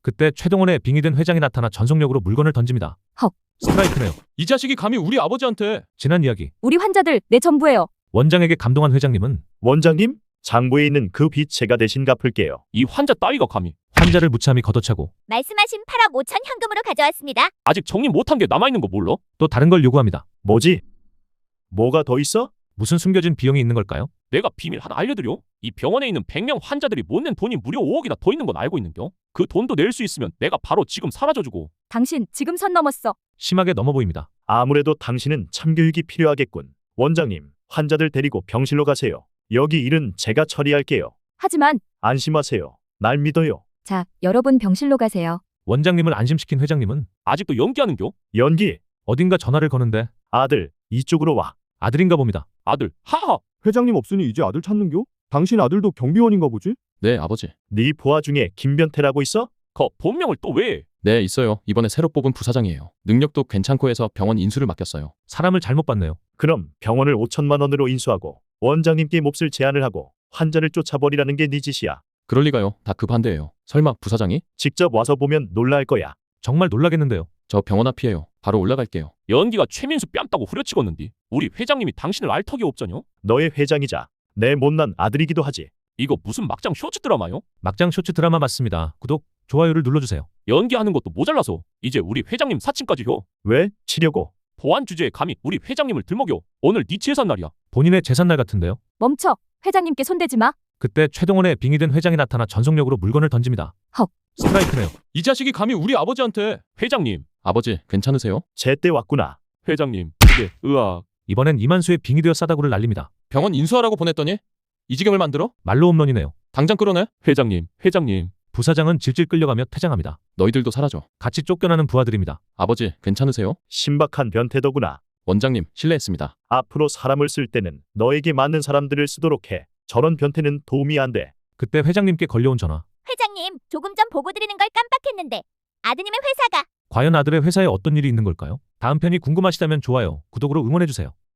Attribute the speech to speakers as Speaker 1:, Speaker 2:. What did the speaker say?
Speaker 1: 그때 최동원의 빙의된 회장이 나타나 전속력으로 물건을 던집니다.
Speaker 2: 헉.
Speaker 1: 스트라이크네요.
Speaker 3: 이 자식이 감히 우리 아버지한테.
Speaker 1: 지난 이야기.
Speaker 2: 우리 환자들 내 전부예요.
Speaker 1: 원장에게 감동한 회장님은
Speaker 4: 원장님, 장부에 있는 그 빚 제가 대신 갚을게요.
Speaker 3: 이 환자 따위가 감히.
Speaker 1: 환자를 무참히 걷어차고
Speaker 5: 말씀하신 8억 5천 현금으로 가져왔습니다.
Speaker 3: 아직 정리 못한 게 남아있는 거 몰라?
Speaker 1: 또 다른 걸 요구합니다.
Speaker 4: 뭐지? 뭐가 더 있어?
Speaker 1: 무슨 숨겨진 비용이 있는 걸까요?
Speaker 3: 내가 비밀 하나 알려드려. 이 병원에 있는 100명 환자들이 못 낸 돈이 무려 5억이나 더 있는 건 알고 있는겨? 그 돈도 낼 수 있으면 내가 바로 지금 사라져주고.
Speaker 2: 당신 지금 선 넘었어.
Speaker 1: 심하게 넘어 보입니다.
Speaker 4: 아무래도 당신은 참교육이 필요하겠군. 원장님, 환자들 데리고 병실로 가세요. 여기 일은 제가 처리할게요.
Speaker 2: 하지만
Speaker 4: 안심하세요. 날 믿어요.
Speaker 2: 자, 여러분 병실로 가세요.
Speaker 1: 원장님을 안심시킨 회장님은
Speaker 3: 아직도 연기하는겨?
Speaker 4: 연기,
Speaker 1: 어딘가 전화를 거는데
Speaker 4: 아들, 이쪽으로 와.
Speaker 1: 아들인가 봅니다.
Speaker 3: 아들, 하하.
Speaker 6: 회장님 없으니 이제 아들 찾는겨? 당신 아들도 경비원인가 보지?
Speaker 7: 네, 아버지.
Speaker 4: 네 부하 중에 김변태라고 있어?
Speaker 3: 거 본명을 또 왜?
Speaker 7: 네, 있어요. 이번에 새로 뽑은 부사장이에요. 능력도 괜찮고 해서 병원 인수를 맡겼어요.
Speaker 1: 사람을 잘못 봤네요.
Speaker 4: 그럼 병원을 5천만 원으로 인수하고 원장님께 몹쓸 제안을 하고 환자를 쫓아버리라는 게 네 짓이야.
Speaker 7: 그럴 리가요. 다 그 반대예요. 설마 부사장이?
Speaker 4: 직접 와서 보면 놀랄 거야.
Speaker 1: 정말 놀라겠는데요.
Speaker 7: 저 병원 앞이에요. 바로 올라갈게요.
Speaker 3: 연기가 최민수 뺨 따고 후려치겠는디. 우리 회장님이 당신을 알 턱이 없잖여?
Speaker 4: 너의 회장이자 내 못난 아들이기도 하지.
Speaker 3: 이거 무슨 막장 쇼츠 드라마요?
Speaker 1: 막장 쇼츠 드라마 맞습니다. 구독, 좋아요를 눌러주세요.
Speaker 3: 연기하는 것도 모자라서 이제 우리 회장님 사칭까지 혀.
Speaker 4: 왜? 치려고.
Speaker 3: 보안 주제에 감히 우리 회장님을 들먹여. 오늘 네 재산 날이야.
Speaker 1: 본인의 재산날 같은데요.
Speaker 2: 멈춰. 회장님께 손대지 마.
Speaker 1: 그때 최동원의 빙의된 회장이 나타나 전속력으로 물건을 던집니다.
Speaker 2: 헉.
Speaker 1: 스트라이크네요.
Speaker 3: 이 자식이 감히 우리 아버지한테. 회장님,
Speaker 7: 아버지, 괜찮으세요?
Speaker 4: 제때 왔구나.
Speaker 3: 회장님, 그게 으악.
Speaker 1: 이번엔 이만수의 빙의되어 싸다구를 날립니다.
Speaker 7: 병원 인수하라고 보냈더니 이 지경을 만들어?
Speaker 1: 말로 홈런이네요.
Speaker 7: 당장 끌어내?
Speaker 3: 회장님.
Speaker 1: 부사장은 질질 끌려가며 퇴장합니다.
Speaker 7: 너희들도 사라져.
Speaker 1: 같이 쫓겨나는 부하들입니다.
Speaker 7: 아버지, 괜찮으세요?
Speaker 4: 신박한 변태더구나.
Speaker 7: 원장님, 실례했습니다.
Speaker 4: 앞으로 사람을 쓸 때는 너에게 맞는 사람들을 쓰도록 해. 저런 변태는 도움이 안 돼.
Speaker 1: 그때 회장님께 걸려온 전화.
Speaker 5: 회장님, 조금 전 보고 드리는 걸 깜빡했는데 아드님의 회사가
Speaker 1: 과연 아들의 회사에 어떤 일이 있는 걸까요? 다음 편이 궁금하시다면 좋아요, 구독으로 응원해주세요.